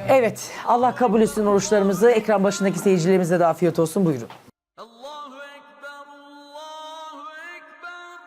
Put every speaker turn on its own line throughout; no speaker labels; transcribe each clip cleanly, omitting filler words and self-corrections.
Evet, Allah kabul etsin oruçlarımızı. Ekran başındaki seyircilerimize de afiyet olsun. Buyurun.
Allahu Ekber, Allahu Ekber.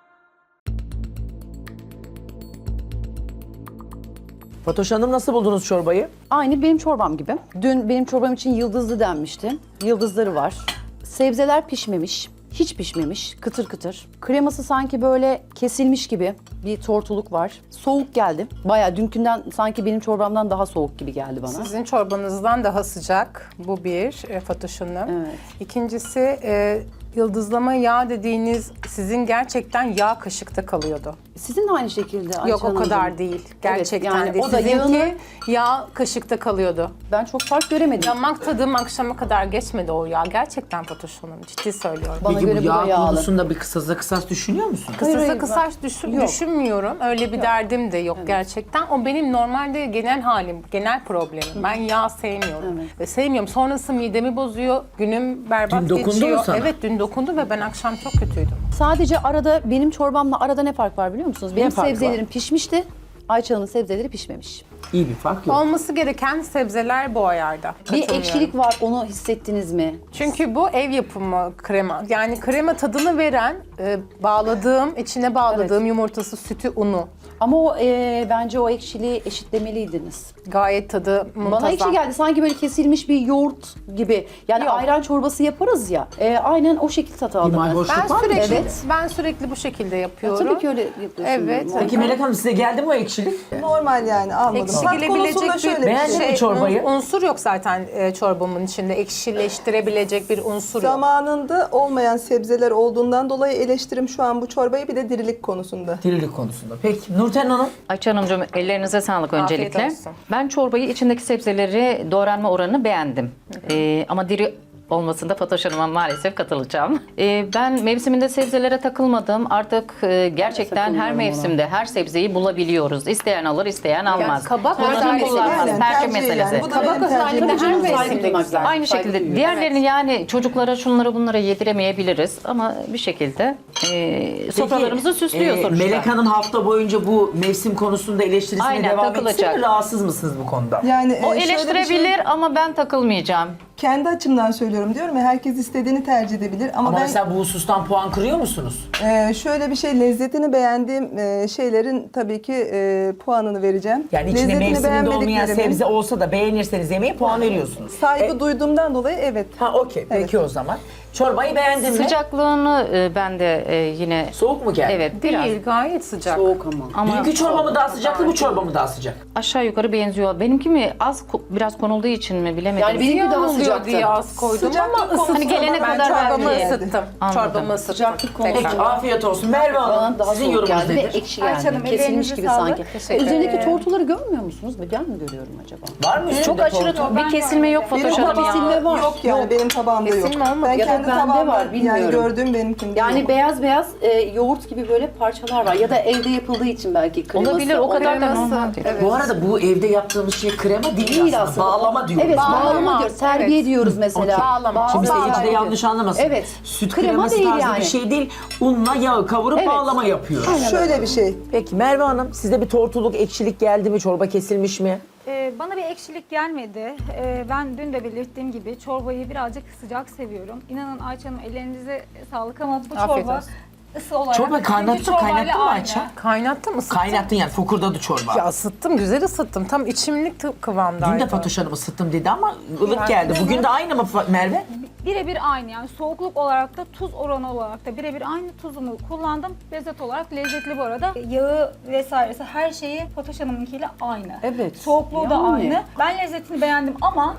Fatoş Hanım, nasıl buldunuz çorbayı?
Aynı benim çorbam gibi. Dün benim çorbam için yıldızlı denmişti. Yıldızları var. Sebzeler pişmemiş. Hiç pişmemiş. Kıtır kıtır. Kreması sanki böyle kesilmiş gibi bir tortuluk var. Soğuk geldi. Bayağı dünkünden sanki benim çorbamdan daha soğuk gibi geldi bana.
Sizin çorbanızdan daha sıcak. Bu bir Fatoş Hanım.
Evet.
İkincisi yıldızlama yağ dediğiniz sizin gerçekten yağ kaşıkta kalıyordu.
Sizin de aynı şekilde Ayça
Yok o
Hanımcığım.
kadar değil. Gerçekten
yani
değil.
o da
Sizinki
yağını-
yağ kaşıkta kalıyordu.
Ben çok fark göremedim.
Damak tadım akşama kadar geçmedi o yağ. Gerçekten Fatoş Hanım ciddi söylüyorum.
Bana göre bu da yağlı.
konusunda bir kısas düşünüyor musun?
Hayır,
Kısasa
hayır,
kısaç
Yok.
düşünmüyorum. Öyle bir derdim de yok gerçekten. O benim normalde genel halim, genel problemim. Ben yağ sevmiyorum. Ve sevmiyorum. Sonrası midemi bozuyor. Günüm berbat
Dün dokundu
geçiyor.
mu sana?
Evet dün dokundu ve ben akşam çok kötüydüm.
Sadece arada benim çorbamla arada ne fark var biliyor musunuz? Benim
fark var?
sebzelerim pişmişti. Ayça Hanım'ın sebzeleri pişmemiş.
İyi bir fark yok.
Olması gereken sebzeler bu ayarda.
Bir
Katılmıyorum.
ekşilik var, onu hissettiniz mi?
Çünkü bu ev yapımı krema. Yani krema tadını veren, içine bağladığım yumurtası, sütü, unu.
Ama o bence o ekşiliği eşitlemeliydiniz.
Gayet tadı muntazam.
Bana ekşi geldi. Sanki böyle kesilmiş bir yoğurt gibi. Yani
Yok.
ayran çorbası yaparız ya. Aynen o şekilde tat aldım ben.
mayhoşluk var mı?
Evet.
Sürekli bu şekilde
Ya
yapıyorum.
tabii ki öyle yapıyorsun.
Evet.
normal.
Peki Melek Hanım, size geldi mi o ekşilik?
Normal yani almadım. Tat
Eksilebilecek
konusunda şöyle bir
Beğendin
şey.
mi çorbayı?
Unsur yok zaten çorbamın içinde. Ekşileştirebilecek bir unsur yok.
Zamanında olmayan sebzeler olduğundan dolayı eleştirim şu an bu çorbayı bir de dirilik konusunda.
Dirilik konusunda. Peki Nurten Hanım?
Ayça Hanımcığım ellerinize sağlık öncelikle.
olsun.
Ben çorbayı içindeki sebzeleri doğranma oranını beğendim. Ama diri olmasında Fatoş Hanım'a maalesef katılacağım. Ben mevsiminde sebzelere takılmadım. Artık gerçekten her
takılmıyorum
mevsimde her sebzeyi bulabiliyoruz. İsteyen alır, isteyen almaz.
kabak
Kullanır,
özellikle
kullanmaz.
aynen,
Tercih
tercih
meselesi.
yani. Bu da
Kabak
benim tercihim.
özellikle her
Saygı
mevsimde
duymak
güzel.
lazım.
Aynı
Saygı
şekilde
duyuyorum.
diğerlerini yani çocuklara şunları bunları yediremeyebiliriz ama bir şekilde sofralarımızı süslüyor sonuçta.
Melek Hanım hafta boyunca bu mevsim konusunda eleştirisine
Aynen,
devam etsin
takılacak.
mi? Rahatsız mısınız bu konuda?
Yani
O
şöyle bir şey-
eleştirebilir ama ben takılmayacağım.
kendi açımdan söylüyorum diyorum ya, herkes istediğini tercih edebilir ama,
Ama
ben
mesela bu husustan puan kırıyor musunuz?
şöyle bir şey, lezzetini beğendiğim şeylerin tabii ki puanını vereceğim.
Yani içinde
Lezzetini
mevsiminde olmayan
beğenmediklerimin-
sebze olsa da beğenirseniz yemeğe puan veriyorsunuz.
Saygı duyduğumdan dolayı evet.
Ha okey. Peki o zaman. Çorbayı beğendin mi?
Sıcaklığını ben de yine
Soğuk mu geldi?
evet biraz
Değil, gayet sıcak.
Soğuk ama.
ama
Dünkü çorba mı daha sıcaktı, bu çorba mı daha sıcak?
aşağı yukarı benziyor. Benimki mi biraz konulduğu için mi bilemedim.
Yani benimki daha
Yanılıyor
sıcaktı.
diye az koydum ama ısıttım.
Hani gelene
Ben
kadar
çorbamı
belki.
ısıttım.
Anladım.
Çorbamı ısıttım.
Sıcaklık konusu.
Tekrar.
Peki afiyet olsun. Merve Hanım,
Bana daha
sizin
soğuk
yorumunuz
geldi ve
nedir?
ekşi
Ayça
geldi.
Hanım,
Kesilmiş
ellerinize
gibi
sağlık.
sanki.
Teşekkür
Üzerindeki
ederim.
tortuları görmüyor musunuz? Ben mi görüyorum acaba?
Var mı üstünde
Çok aşırı
tortu?
Bir kesilme yok
Benim
Fatoş Hanım
tabağımda
ya.
var.
yok yani, benim tabağımda yok.
Kesilme olmadı.
Ben
Ya da
kendi
bende
tabağımda
var,
yani
bilmiyorum.
gördüğüm benimkinde
Yani
yok.
beyaz beyaz yoğurt gibi böyle parçalar var. Ya da evde yapıldığı için belki kreması.
Olabilir o kadar da
kreması.
normal değil.
Evet.
Bu arada bu evde yaptığımız şey krema değil,
Değil
aslında. Bağlama diyoruz.
Evet,
Bağlama.
bağlama diyoruz. Terbiye
Evet.
diyoruz mesela.
Bağlama.
Şimdi
Bağlama
seyirci de
diyoruz.
yanlış anlamasın.
Evet.
Süt
Krema
kreması
değil
tarzı
yani.
bir şey değil. Unla yağı kavurup
Evet.
bağlama yapıyoruz.
Şöyle bir şey.
Peki Merve Hanım, size bir tortuluk, ekşilik geldi mi? Çorba kesilmiş mi?
Bana bir ekşilik gelmedi. Ben dün de belirttiğim gibi çorbayı birazcık sıcak seviyorum. İnanın Ayça Hanım, ellerinize sağlık ama bu
Afiyet
çorba
olsun.
ısı olarak...
Çorba kaynattın,
dünkü çorbayla
kaynattın mı
aynı.
Ayça?
Kaynattım mı?
Kaynattın yani, fokurdadı çorba.
Ya ısıttım, güzel ısıttım. Tam içimlik kıvamdaydı.
Dün de Fatoş Hanım ısıttım dedi ama ılık
Yani-
geldi. Bugün de aynı mı Merve?
Birebir aynı, yani soğukluk olarak da tuz oranı olarak da birebir aynı tuzumu kullandım. Lezzet olarak lezzetli bu arada. Yağı vesairesi her şeyi Fatoş Hanım'ınkiyle aynı.
Evet.
Soğukluğu da
Yani.
aynı. Ben lezzetini beğendim ama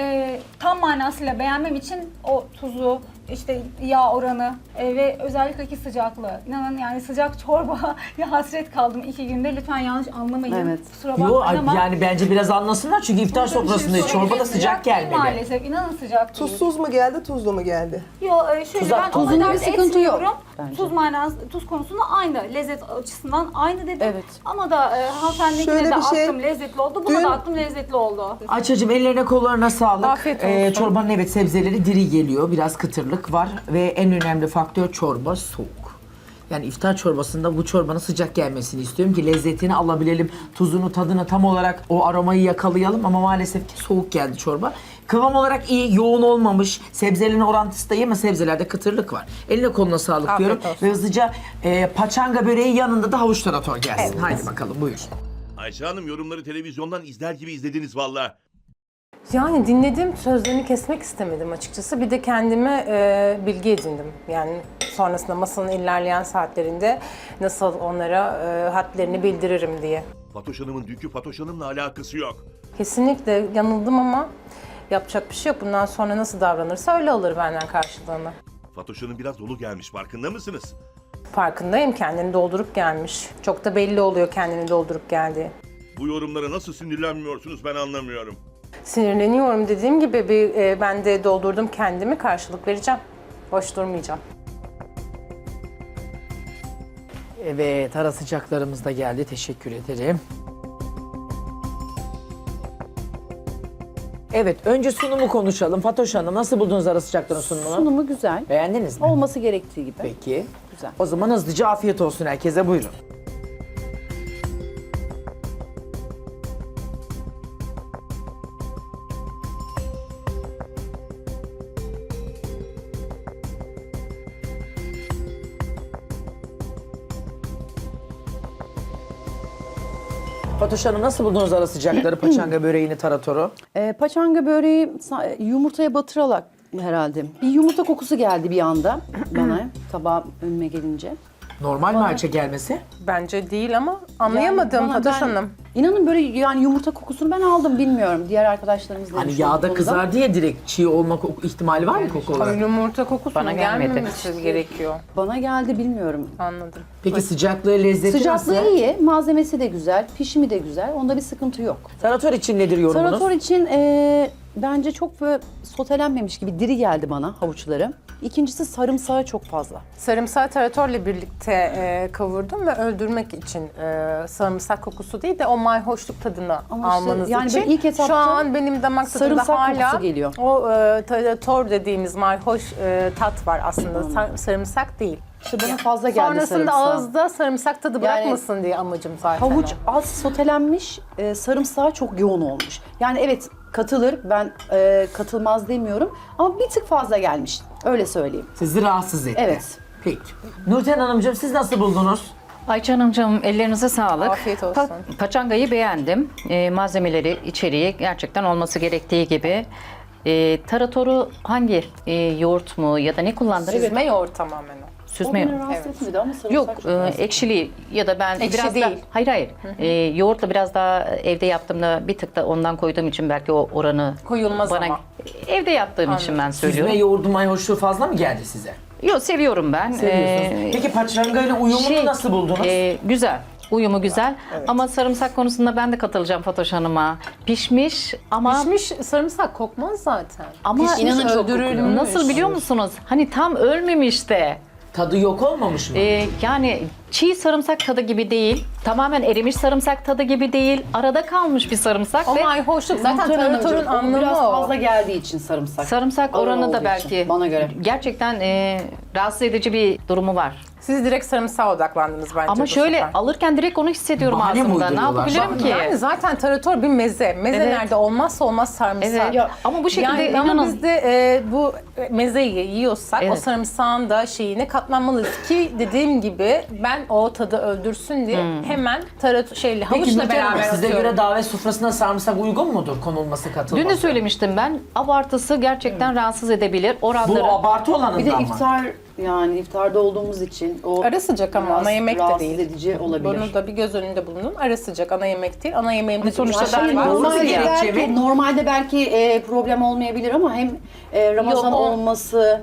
tam manasıyla beğenmem için o tuzu, işte yağ oranı ve özellikle ki sıcaklığı. İnanın yani sıcak çorba ya hasret kaldım 2 günde. Lütfen yanlış anlamayın.
Evet.
Kusura
Yo
bakmayın ama.
yani bence biraz anlasınlar çünkü iftar sofrasındayız. Çorba da sıcak
değil
gelmedi.
maalesef. İnanın sıcak değil.
Tuzsuz mu geldi, tuzlu mu geldi?
Yo şöyle
Tuzak-
ben
tuzunda
o
bir
kadar
sıkıntı yok
etmiyorum.
bence.
Tuz konusunda aynı. Lezzet açısından aynı dedim.
Evet.
Ama da hanımefendininkine
Şöyle
de
bir şey,
attım lezzetli oldu. Buna
dün-
da attım lezzetli oldu.
Ayça'cığım ellerine kollarına sağlık.
Afiyet olsun.
Çorbanın evet sebzeleri diri geliyor. Biraz kıtırlık var ve en önemli faktör çorba soğuk. Yani iftar çorbasında bu çorbanın sıcak gelmesini istiyorum ki lezzetini alabilelim. Tuzunu, tadını tam olarak o aromayı yakalayalım ama maalesef ki soğuk geldi çorba. Kıvam olarak iyi, yoğun olmamış. Sebzelerin orantısı da iyi ama sebzelerde kıtırlık var. Eline koluna sağlık
Afiyet
diyorum.
olsun.
Ve hızlıca paçanga böreği yanında da havuç tarator gelsin. Haydi bakalım buyur.
Ayşe Hanım yorumları televizyondan izler gibi izlediniz valla.
Yani dinledim, sözlerini kesmek istemedim açıkçası. Bir de kendime bilgi edindim. Yani sonrasında masanın ilerleyen saatlerinde nasıl onlara hadlerini bildiririm diye.
Fatoş Hanım'ın dünkü Fatoş Hanım'la alakası yok.
Kesinlikle yanıldım ama yapacak bir şey yok. Bundan sonra nasıl davranırsa öyle alır benden karşılığını.
Fatoş Hanım biraz dolu gelmiş, farkında mısınız?
Farkındayım, kendini doldurup gelmiş. Çok da belli oluyor kendini doldurup geldiği.
Bu yorumlara nasıl sinirlenmiyorsunuz ben anlamıyorum.
Sinirleniyorum dediğim gibi ben de doldurdum kendimi, karşılık vereceğim. Boş durmayacağım.
Evet, ara sıcaklarımız da geldi. Teşekkür ederim. Evet, önce sunumu konuşalım. Fatoş Hanım, nasıl buldunuz ara sıcakların sunumunu?
Sunumu güzel.
Beğendiniz mi?
Olması gerektiği gibi.
Peki.
Güzel.
O zaman hızlıca afiyet olsun herkese. Buyurun. Fatoş Hanım nasıl buldunuz ara sıcakları, paçanga böreğini, taratoru?
Paçanga böreği yumurtaya batırarak herhalde. Bir yumurta kokusu geldi bir anda bana tabağa önüme gelince.
Normal mi Ayça gelmesi?
Bence değil ama anlayamadım
Yani
Fatoş
ben-
Hanım.
İnanın böyle yani yumurta kokusunu ben aldım bilmiyorum. Diğer arkadaşlarımız da
Hani
demiş
yağda
olduğunda.
kızar diye direkt çiğ olma ihtimali var mı koku olarak?
Yumurta kokusunun
Bana gelmedi.
gelmemesi gerekiyor.
Bana geldi bilmiyorum.
Anladım.
Peki sıcaklığı, lezzeti
Sıcaklığı
nasıl?
iyi, malzemesi de güzel, pişimi de güzel. Onda bir sıkıntı yok.
Tarator için nedir yorumunuz?
Tarator için bence çok böyle sotelenmemiş gibi diri geldi bana havuçları. İkincisi sarımsağı çok fazla.
Sarımsağı taratorla birlikte kavurdum ve öldürmek için sarımsak kokusu değil de o mayhoşluk tadını
Ama işte
almanız
yani
için.
ben ilk etapta
şu an benim damak tadımda
sarımsak
hala
kokusu geliyor.
o tarator dediğimiz mayhoş tat var aslında. Sarımsak değil.
İşte bana fazla geldi
Sonrasında
sarımsağı.
ağızda sarımsak tadı bırakmasın diye amacım zaten.
Havuç
o.
az sotelenmiş, sarımsağı çok yoğun olmuş. Yani evet katılır, ben katılmaz demiyorum ama bir tık fazla gelmiş. Öyle söyleyeyim.
Sizi rahatsız etti.
Evet.
Peki. Nurten Hanımcığım siz nasıl buldunuz?
Ayça Hanımcığım ellerinize sağlık.
Afiyet olsun.
Paçangayı beğendim. Malzemeleri, içeriği gerçekten olması gerektiği gibi. Taratoru hangi yoğurt mu ya da ne kullandınız?
Süzme yoğurt tamamen o.
O
Süzme
beni
yoğurt.
rahatsız etmedi ama sarımsak
Yok,
çok rahatsız etti.
ekşili ya da ben
Ekşi
biraz
değil.
da hayır. Yoğurtla biraz daha evde yaptığımda bir tık da ondan koyduğum için belki o oranı
Koyulmaz
bana
ama.
evde yaptığım için ben söylüyorum.
Süzme yoğurdu mayhoşluğu fazla mı geldi size?
Yok, seviyorum ben.
Seviyorsunuz. Peki paçanga ile uyumunu nasıl buldunuz?
Güzel. Uyumu güzel. Ama sarımsak konusunda ben de katılacağım Fatoş Hanım'a. Pişmiş ama
Pişmiş sarımsak kokmaz zaten.
ama
İnanın çok kokuyor.
nasıl biliyor musunuz? Hani tam ölmemiş de.
Tadı yok olmamış mı?
Yani çiğ sarımsak tadı gibi değil. Tamamen erimiş sarımsak tadı gibi değil. Arada kalmış bir sarımsak
O
ve
mayhoşluk zaten
Nurten Hanımcığım,
taratorun
o
anlamı
biraz
o.
fazla geldiği için sarımsak.
sarımsak
Ağır
oranı
olduğu
da
için,
belki
bana göre.
gerçekten rahatsız edici bir durumu var.
Siz direkt sarımsağa odaklandınız bence
Ama
bu
şöyle
sefer.
alırken direkt onu hissediyorum
Bahane mi
ağzımda. Ne
uyduruyorlar?
yapabilirim ki?
Yani zaten tarator bir meze. Mezelerde olmazsa olmaz sarımsak.
Evet.
Ya,
ama bu şekilde
Yani ama
inanın.
biz de bu mezeyi yiyorsak o
Evet.
sarımsağın da şeyine katlanmalıyız ki dediğim gibi ben o tadı öldürsün diye hemen
Peki
havuçla
Nurten Hanım
beraber
size
atıyorum.
göre davet sofrasına sarımsak uygun mudur konulması, katılması?
Dün de söylemiştim ben. Abartısı gerçekten rahatsız edebilir. Oranları
Bu abartı olanından
Bir de
mı?
iftar yani iftarda olduğumuz için o
Ara sıcak ama
biraz
ana yemek de
rahatsız
değil.
edici olabilir.
Bunu da bir göz önünde bulundun. Ara sıcak ana yemek değil. Ana yemeğimde
sonuçta
sonuçta
ben
var.
doğru
Normalde
gerekçe mi?
normalde belki problem olmayabilir ama hem Ramazan
Yok, o-
olması,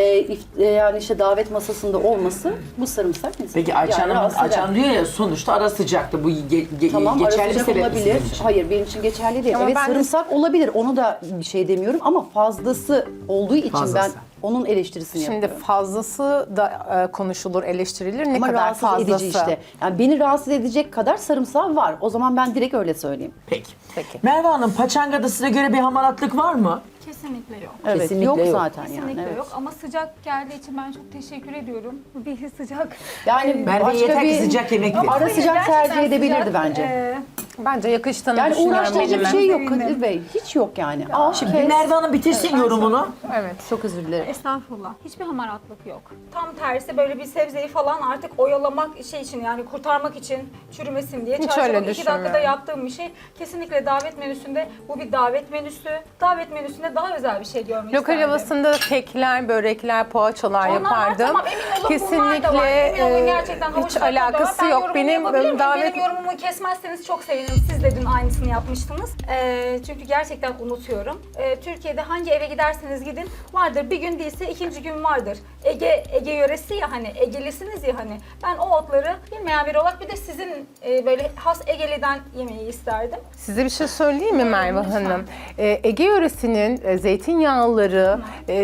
yani işte davet masasında olması bu sarımsak mesela.
Peki Ayça
Yani
Hanım,
rahatsız
Ayça
eder.
Hanım diyor ya sonuçta ara sıcaktı. Bu
Tamam ara
geçerli bir
sıcak
sebep mi
olabilir.
sizin için?
Hayır benim için geçerli değil.
Ama
Evet
ben de-
sarımsak olabilir. Onu da bir şey demiyorum ama fazlası olduğu için
Fazlası.
ben onun eleştirisini
Şimdi
yapıyorum.
fazlası da konuşulur, eleştirilir. Ne
Ama
kadar
rahatsız
fazlası.
edici işte. Yani beni rahatsız edecek kadar sarımsağı var. O zaman ben direkt öyle söyleyeyim.
Peki.
Peki.
Merve Hanım, paçangada size göre bir hamaratlık var mı?
Kesinlikle yok.
Evet,
Kesinlikle
yok
yok.
zaten
Kesinlikle
yani. Evet.
yok ama sıcak geldiği için ben çok teşekkür ediyorum. Bir sıcak.
Yani
Merve
başka
yeter ki
bir
sıcak yemek ver.
ara
Hayır,
sıcak
gerçekten
tercih edebilirdi
sıcak.
bence.
Bence yakıştığını
Yani
düşünüyorum
uğraştırıcı bir
elime.
şey yok
Sevindim.
Kadir Bey. Hiç yok yani. Al
Şimdi
kes.
Merve Hanım bitirsin yorumunu.
Evet.
Çok özür dilerim.
Estağfurullah. Hiçbir hamaratlık yok. Tam tersi böyle bir sebzeyi falan artık oyalamak şey için yani kurtarmak için çürümesin diye.
Hiç
Çarşamba
öyle
2 dakikada
düşünmüyorum.
yaptığım bir şey. Kesinlikle davet menüsünde bu bir davet menüsü. Davet menüsünde daha özel bir şey görmek
Lokal
isterdim.
havasında kekler, börekler, poğaçalar
Onlar var,
yapardım.
tamam, emin olun bunlar da var. Emin olun gerçekten havuç
hiç
tadında da var.
alakası
Ben
yok.
yorumumu yapabilir
Benim
miyim?
davet
Benim yorumumu kesmezseniz çok sevinirim. Siz de dün aynısını yapmıştınız. Çünkü gerçekten unutuyorum. Türkiye'de hangi eve giderseniz gidin vardır. Bir gün değilse ikinci gün vardır. Ege yöresi ya hani, Egelisiniz ya hani. Ben o otları bilmeyen biri olarak bir de sizin böyle has Egeli'den yemeği isterdim.
Size bir şey söyleyeyim mi Merve
lütfen.
Hanım? Ege yöresinin zeytinyağlıları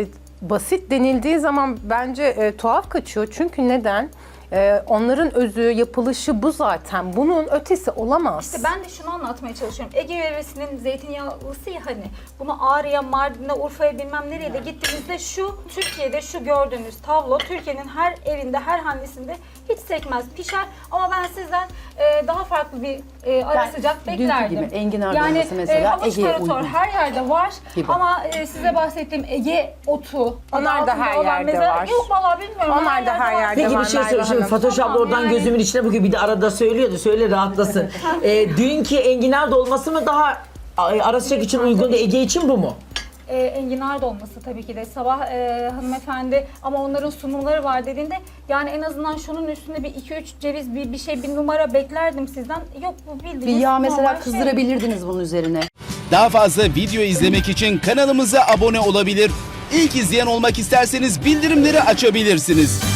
basit denildiği zaman bence tuhaf kaçıyor. Çünkü neden? Onların özü, yapılışı bu zaten. Bunun ötesi olamaz.
İşte ben de şunu anlatmaya çalışıyorum. Ege yöresinin zeytinyağlısı ya hani. Bunu Ağrı'ya, Mardin'e, Urfa'ya bilmem nereye de gittiğinizde şu Türkiye'de şu gördüğünüz tablo Türkiye'nin her evinde, her hanesinde hiç sekmez, pişer. Ama ben sizden daha farklı bir ara
Ben
sıcak
dünkü
beklerdim.
gibi enginar
yani,
dolması mesela
havuç
Ege'ye
tarator
uygun.
her yerde var
Gibi.
ama size bahsettiğim Ege otu.
Onlar
adı
da
altında
her
olan
yerde
meze-
var.
Yok vallahi bilmiyorum.
Onlar da her
var.
yerde
Peki bir
var
şey
Merve
söyle. Şimdi
Hanım.
Fatoş abla
Tamam,
oradan
yani-
gözümün içine bakıyor. Bir de arada söylüyordu. Söyle rahatlasın. Dünkü enginar dolması mı daha ara sıcak için uygun da Ege için bu mu?
Enginar dolması tabii ki de sabah hanımefendi ama onların sunumları var dediğinde yani en azından şunun üstünde bir 2-3 ceviz bir numara beklerdim sizden. Yok bu bildiğiniz
Bir yağ
normal
mesela
şey.
kızdırabilirdiniz bunun üzerine.
Daha fazla video izlemek için kanalımıza abone olabilir. İlk izleyen olmak isterseniz bildirimleri açabilirsiniz.